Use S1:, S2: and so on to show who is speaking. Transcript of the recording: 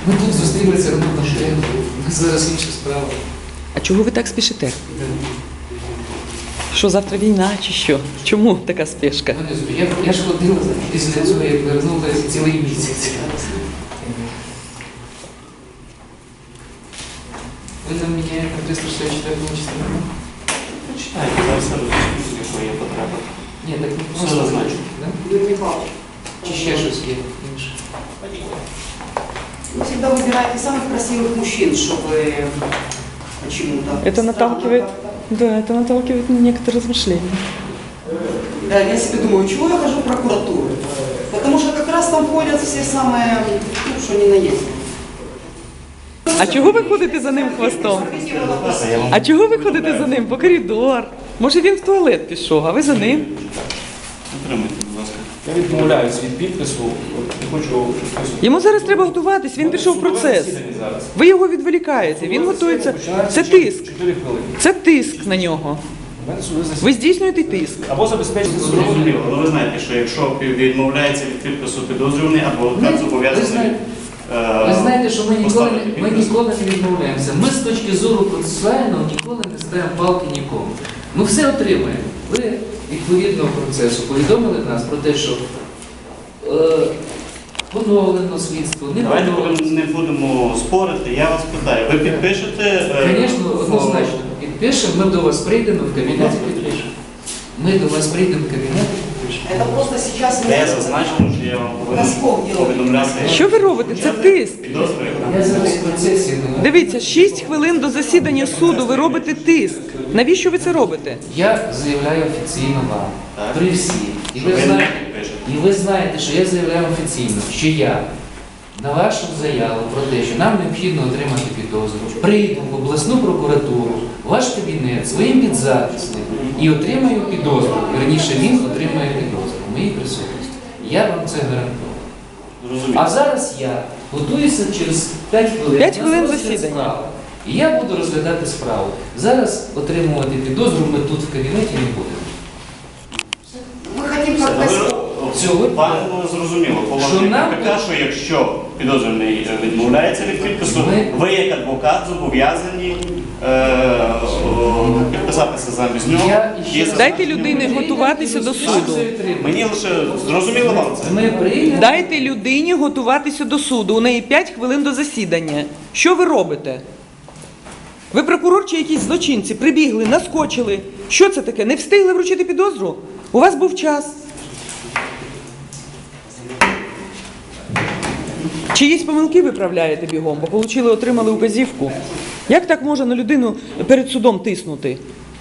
S1: Ми тут зустрілися робити машину. Зараз інша справа.
S2: А чого ви так спішите? Що, завтра війна чи що? Чому така спешка?
S1: Я ж ходила після цього, як вернулася цілий місяць. Ви там міняєте 364 частину?
S3: Почитайте, зараз все розумієте, якої є потреба.
S1: Ні, так не
S3: Все
S1: просто
S3: зазначу.
S1: да? Чи ще щось є інше?
S4: Вы всегда выбираете самых красивых мужчин, чтобы почему-то...
S2: Это наталкивает, да, это наталкивает на некоторые размышления.
S4: Да, я себе думаю, чего я хожу в прокуратуру? Потому что как раз там ходят все самые, ну, что ни на есть.
S2: А чого ви ходите за ним хвостом? А чого ви ходите за ним по коридор? Може він в туалет пішов, а ви за ним?
S3: Утримуйте, будь ласка.
S5: Я відмовляюсь від підпису, не хочу підписувати.
S2: Йому зараз треба готуватись, він пішов в процес. Ви його відволікаєте, він готується. Це тиск.
S5: 4 хвилини.
S2: Це тиск на нього.
S5: У мене судове засідання.
S2: Ви здійснюєте тиск.
S5: Або забезпечити судову
S3: Зрозуміло, але ви знаєте, що якщо відмовляється від підпису підозрюваний, адвокат зобов'язаний
S1: Ви знаєте, що ми
S3: поставити
S1: ніколи
S3: підпис.
S1: не відмовляємося. Ми з точки зору процесуального ніколи не ставимо палки нікому. Ми все отримаємо. Ви відповідного процесу повідомили нас про те, що поновлено слідство, не
S3: Давайте
S1: поновлено.
S3: не будемо спорити, я вас питаю. Ви підпишете?
S1: Звісно, однозначно. Підпишемо, ми до вас прийдемо в кабінет і підпишемо. Ми до вас прийдемо в кабінет і підпишемо.
S4: Это просто сейчас...
S3: Де зазначено, що я вам повинен повідомляти.
S2: Що ви робите? Це тиск.
S3: Підозрюю.
S1: Я зараз в процесі не
S2: Дивіться, 6 хвилин до засідання суду ви робите тиск. Навіщо ви це робите?
S1: Я заявляю офіційно вам,
S3: Так.
S1: при всіх. І
S3: Що
S1: ви
S3: ви не
S1: знаєте,
S3: підпишете.
S1: і ви знаєте, що я заявляю офіційно, що я на вашу заяву про те, що нам необхідно отримати підозру, прийду в обласну прокуратуру, в ваш кабінет своїм підзаписним і отримаю підозру. Вірніше, він отримає підозру в моїй присутності. Я вам це гарантую.
S3: Зрозуміло.
S1: А зараз я готуюся через 5 хвилин.
S2: 5
S1: на
S2: хвилин
S1: розгляд
S2: засідання.
S1: справи. І я буду розглядати справу. Зараз отримувати підозру ми тут в кабінеті не будемо.
S4: Мы хотим
S3: Все,
S4: как-то...
S1: Цього
S3: Пане, зрозуміло,
S1: Що
S3: положення
S1: нам-
S3: КПК, що якщо підозрюваний відмовляється від підпису, ви як адвокат зобов'язані підписатися замість нього.
S1: Я ще
S3: Є
S1: раз-
S2: Дайте людині готуватися до суду.
S3: Мені лише зрозуміло вам це.
S1: Ми прийдемо.
S2: Дайте людині готуватися до суду. У неї 5 хвилин до засідання. Що ви робите? Ви прокурор чи якісь злочинці прибігли, наскочили. Що це таке? Не встигли вручити підозру? У вас був час. Чиїсь помилки виправляєте бігом, бо отримали указівку. Як так можна на людину перед судом тиснути?